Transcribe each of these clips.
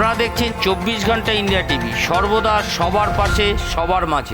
আপনারা দেখছেন 24 ঘন্টা ইন্ডিয়া টিভি, সর্বদা সবার পাশে সবার মাঝে।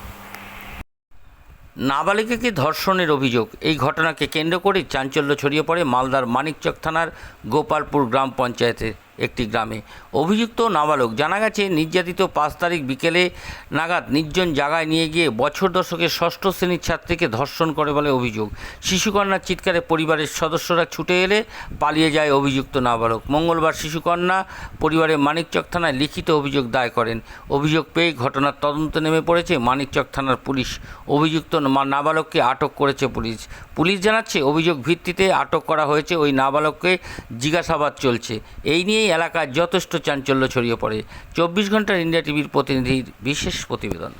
নাবালিকাকে ধর্ষণের অভিযোগ, এই ঘটনাকে কেন্দ্র করে চাঞ্চল্য ছড়িয়ে পড়ে মালদার মানিকচক থানার গোপালপুর গ্রাম পঞ্চায়েতের একটি গ্রামে। অভিযুক্ত নাবালক জানা গেছে নির্যাতিত 5 তারিখ বিকেলে নাগাদ নির্জন জায়গায় নিয়ে গিয়ে বছর দশকের 6ষ্ঠ শ্রেণীর ছাত্রীকে ধর্ষণ করে বলে অভিযোগ। শিশুকন্যার চিৎকারে পরিবারের সদস্যরা ছুটে এলে পালিয়ে যায় অভিযুক্ত নাবালক। মঙ্গলবার শিশুকন্যা পরিবারের মানিকচক থানায় লিখিত অভিযোগ দায়ের করেন। অভিযোগ পেয়ে ঘটনার তদন্তে নেমে পড়েছে মানিকচক থানার পুলিশ। অভিযুক্ত নাবালককে আটক করেছে পুলিশ জানাচ্ছে অভিযোগ ভিত্তিতে আটক করা হয়েছে। ওই নাবালককে জিজ্ঞাসাবাদ চলছে। এই নিয়েই এলাকায় যথেষ্ট চাঞ্চল্য ছড়িয়ে পড়ে। 24 ঘন্টার ইন্ডিয়া টিভির প্রতিনিধির বিশেষ প্রতিবেদন।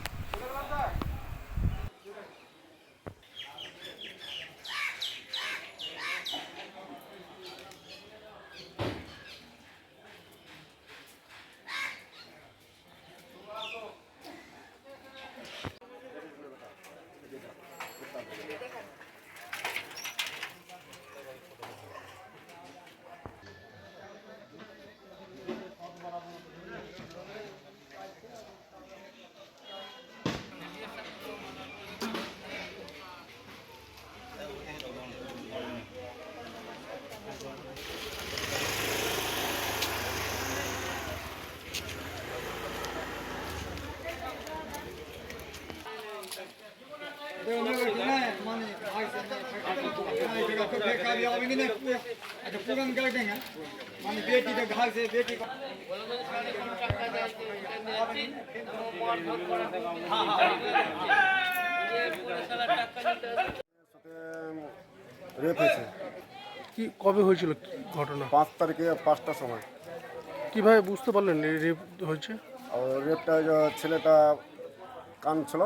রেপ হয়েছে। কি কবে হয়েছিল ঘটনা? 5 তারিখে 5টার সময়। কিভাবে বুঝতে পারলেন এই রেপ হয়েছে? আর রেপটা ছেলেটা কাঁদছিল,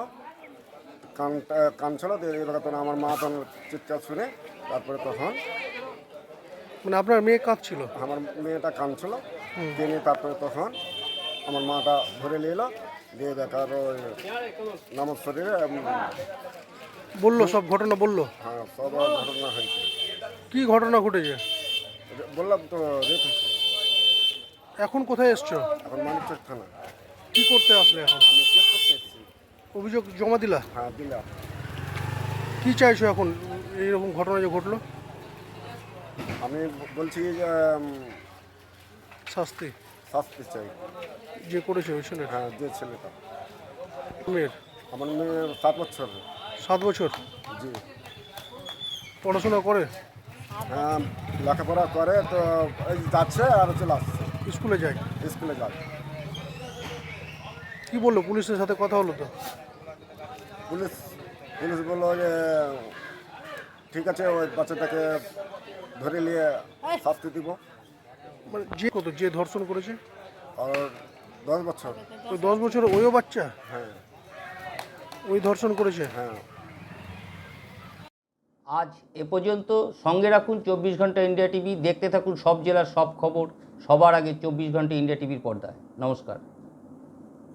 এবার তখন আমার মা তখন চিৎকার শুনে তারপরে তখন মানে আপনার মেয়ে কাঁদছিল? আমার মেয়েটা কাঁদছিল, তিনি তারপরে তখন আমার মাটা ধরে নিয়ে এলো, দিয়ে দেখার নামাজ শরীরে বললো সব ঘটনা বললো? হ্যাঁ, সব ঘটনা হয়েছে। কি ঘটনা ঘটেছে? বললাম তো রেপ হয়েছে। এখন কোথায় এসছো? এখন মানিকচক থানা। কি করতে আসলে এখন? আমি কেস করতে এসেছি। অভিযোগ জমা দিলা? হ্যাঁ, দিলাম। কি চাইছো এখন এইরকম ঘটনা যে ঘটলো? আমি বলছি যে শাস্তি শাস্তি চাই। যে করেছে ওই ছেলে? হ্যাঁ, যে ছেলেটা। মেয়ের? আমার মেয়ে 7 বছর। 7 বছর? জি। পড়াশোনা করে? হ্যাঁ, লেখাপড়া করে, তো এই যাচ্ছে আর চলে আসছে। স্কুলে যায়? স্কুলে যায়। কি বললো? পুলিশের সাথে কথা হলো তো? পুলিশ বললো যে ঠিক আছে, ওই বাচ্চাটাকে ধরে নিয়ে শাস্তি দিব। মানে যে ধর্ষণ করেছে? আর 10 বছর। ওই 10 বছর ওইও বাচ্চা? হ্যাঁ। ওই ধর্ষণ করেছে? হ্যাঁ। আজ এ পর্যন্ত। সঙ্গে রাখুন 24 ঘন্টা ইন্ডিয়া টিভি। দেখতে থাকুন সব জেলার সব খবর সবার আগে 24 ঘন্টা ইন্ডিয়া টিভির পর্দায়। নমস্কার।